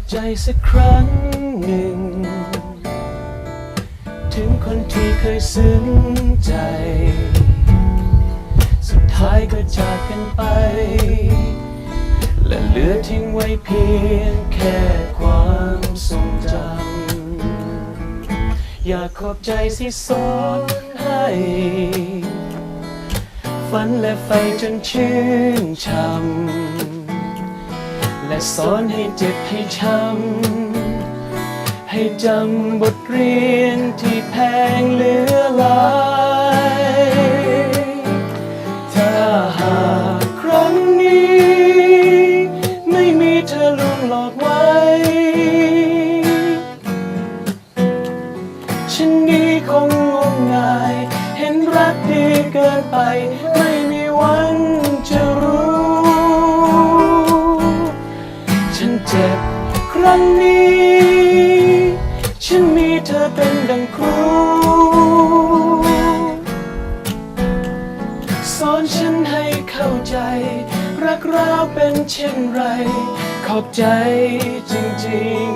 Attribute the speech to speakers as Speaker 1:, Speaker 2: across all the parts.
Speaker 1: ใจสักครั้งหนึ่งถึงคนที่เคยซึ้งใจสุดท้ายก็จากกันไปและเหลือทิ้งไว้เพียงแค่ความทรงจำอยากขอบใจที่สอนให้ฝันและไฟจนชื่นช่ำและสอนให้เจ็บให้ช้ำให้จำบทเรียนที่แพงเหลือหลายถ้าหากครั้งนี้ไม่มีเธอลวงหลอกไว้ฉันนี้คงงมงายเห็นรักดีเกินไปไม่มีวันจะรู้ฉันเจ็บครั้งนี้ฉันมีเธอเป็นดังครูสอนฉันให้เข้าใจรักเราเป็นเช่นไรขอบใจจริง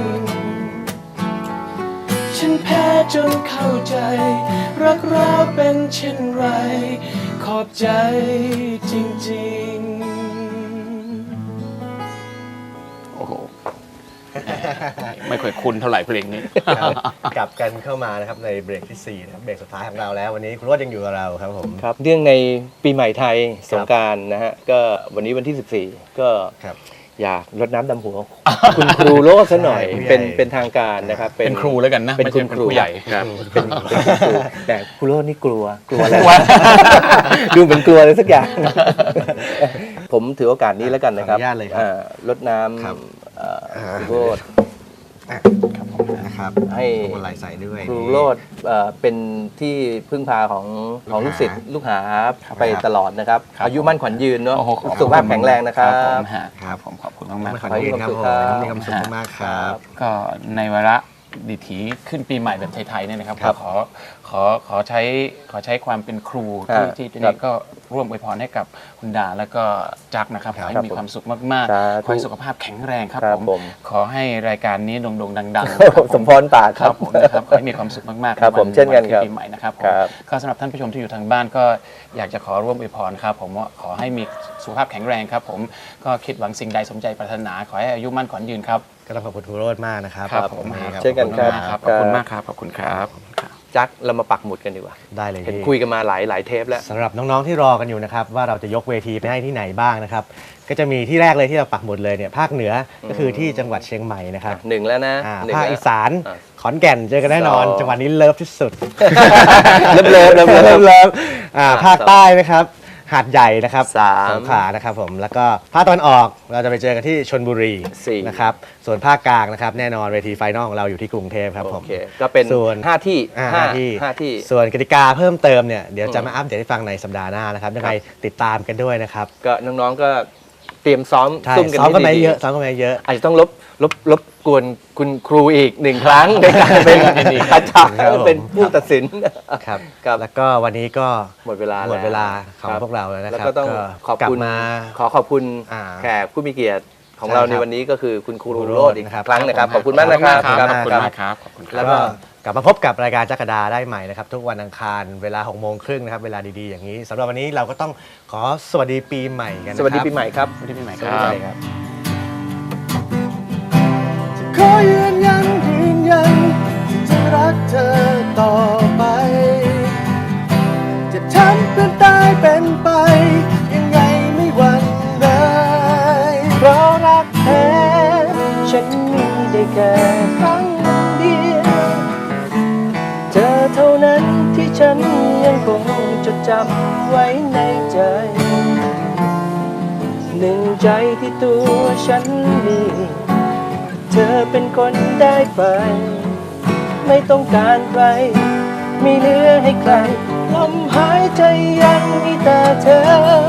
Speaker 1: ๆฉันแพ้จนเข้าใจรักเราเป็นเช่นไรขอบใจจริงๆโอ้โหไม่ค่อยคุ้นเท่าไหร่เพลงนี้
Speaker 2: กลับกันเข้ามานะครับในเบรกที่4นะครับเบรกสุดท้ายของเราแล้ววันนี้คุณโรจน์ยังอยู่กับเราครับผม
Speaker 3: ครับเรื่องในปีใหม่ไทยสงกรานต์นะฮะก็วันนี้วันที่14ก็อยากรดน้ำดำหัวคุณครูโรจน์ซะหน่อยเป็นทางการนะครับ
Speaker 1: เป็นครูแล้วกันนะ
Speaker 3: เป็นคุณครู
Speaker 1: ผู้ใหญ่ครับ
Speaker 3: เป็นครูแต่ครูโรจน์นี่กลัวอะไรดูเหมือนกลัวอะไรสักอย่างผมถือโอกาสนี้แล้วกันนะครับรดน้ำครูโรจน์
Speaker 2: นะครับให้คนไหลใส่ด้วย
Speaker 3: ครูโรจน์เป็นที่พึ่งพาของลูกศิษย์ลูกหาไปตลอดนะครับอายุมั่นขวัญยืนเนาะสุขภาพแข็งแรงนะครับ
Speaker 1: ครับผมขอบคุณมาก
Speaker 2: ๆขอให้มีความสุขมีความสุขมากครับ
Speaker 1: ก็ในวาระดิถีขึ้นปีใหม่แบบไทยๆเนี่ยนะครับขอใช้ความเป็นครูที่นี่ก็ร่วมอวยพรให้กับคุณดาแล้วก็จักนะครับขอให้มีความสุขมากๆขอให้สุขภาพแข็งแรงครับผมขอให้รายการนี้โด่งๆดัง
Speaker 3: ๆสมพรปาก
Speaker 1: ครับผมนะครับขอให้มีความสุขมากๆ
Speaker 3: ครับผมเช่นกันครับ
Speaker 1: ปีใหม่นะครับก็สำหรับท่านผู้ชมที่อยู่ทางบ้านก็อยากจะขอร่วมอวยพรครับผมว่าขอให้มีสุขภาพแข็งแรงครับผมก็คิดหวังสิ่งใดสมใจปรารถนาขอให้อายุมั่นขวัญยืนครับ
Speaker 2: ก็ต้องขอบคุณครูโรจน์มากนะครับ
Speaker 1: ผม
Speaker 3: เช่นกันครับ
Speaker 1: ขอบคุณมากครับขอบคุณครับ
Speaker 3: จักเรามาปักหมุดกันดีกว่า
Speaker 2: ได้เลย
Speaker 3: เห็นคุยกันมาหลายเทปแล้ว
Speaker 2: สำหรับน้องๆที่รอกันอยู่นะครับว่าเราจะยกเวทีไปให้ที่ไหนบ้างนะครับก็จะมีที่แรกเลยที่เราปักหมุดเลยเนี่ยภาคเหนือก็คือที่จังหวัดเชียงใหม่นะครับ
Speaker 3: 1แล้วนะ
Speaker 2: ภาคอีสานขอนแก่นเจอกันแน่นอนจังหวัดนี้เลิฟที่สุด
Speaker 3: เลิฟ
Speaker 2: ภาคใต้นะครับหาดใหญ่นะครับสงขลานะครับผมแล้วก็ภาคตะวันออกเราจะไปเจอกันที่ชลบุรีนะครับส่วนภาคกลางนะครับแน่นอนเวทีไฟนอลของเราอยู่ที่กรุงเทพครับผม
Speaker 3: ก็เป็นส่วน5ที่
Speaker 2: ส่วนกติกาเพิ่มเติมเนี่ยเดี๋ยวจะมาอัปเดตให้ฟังในสัปดาห์หน้านะครับยังไงติดตามกันด้วยนะครับ
Speaker 3: ก็น้องๆก็เตรียมซ้อม
Speaker 2: ซุ่มกันไปเยอะซ้อมกันไปเยอะ
Speaker 3: อาจจะต้องลบกวนคุณครูอีก1ครั้งในการเป็นอาจารย์เป็นผู้ตัดสิน
Speaker 2: ครับแล้วก็วันนี้ก็
Speaker 3: หมดเวลา
Speaker 2: ของพวกเราแล้วนะครับ
Speaker 3: แล้วก็ต้องขอบคุณแขกผู้มีเกียรติของเราในวันนี้ก็คือคุณครูโรจน์อีกครั้งนะครับขอบคุณมากนะครับ
Speaker 1: ขอบคุณมากครับ
Speaker 2: แล้วก็กลับมาพบกับรายการจักรดาได้ใหม่นะครับทุกวันอังคารเวลา18:30นะครับเวลาดีๆอย่างนี้สำหรับวันนี้เราก็ต้องขอสวัสดีปีใหม่กัน
Speaker 3: สวัสดีปีใหม่ครับ
Speaker 1: สวัสดีปีใหม่ครับ
Speaker 2: ขอยืนยันที่จะรักเธอต่อไปจะทำเป็นตายเป็นไปยังไงไม่หวั่นเลยเพราะรักแท้ฉันมีได้แค่ครั้งเดียวเธอเท่านั้นที่ฉันยังคงจดจำไว้ในใจหนึ่งใจที่ตัวฉันมีเธอเป็นคนได้ไปไม่ต้องการใครไม่เหลือให้ใครลมหายใจยังมีแต่เธอ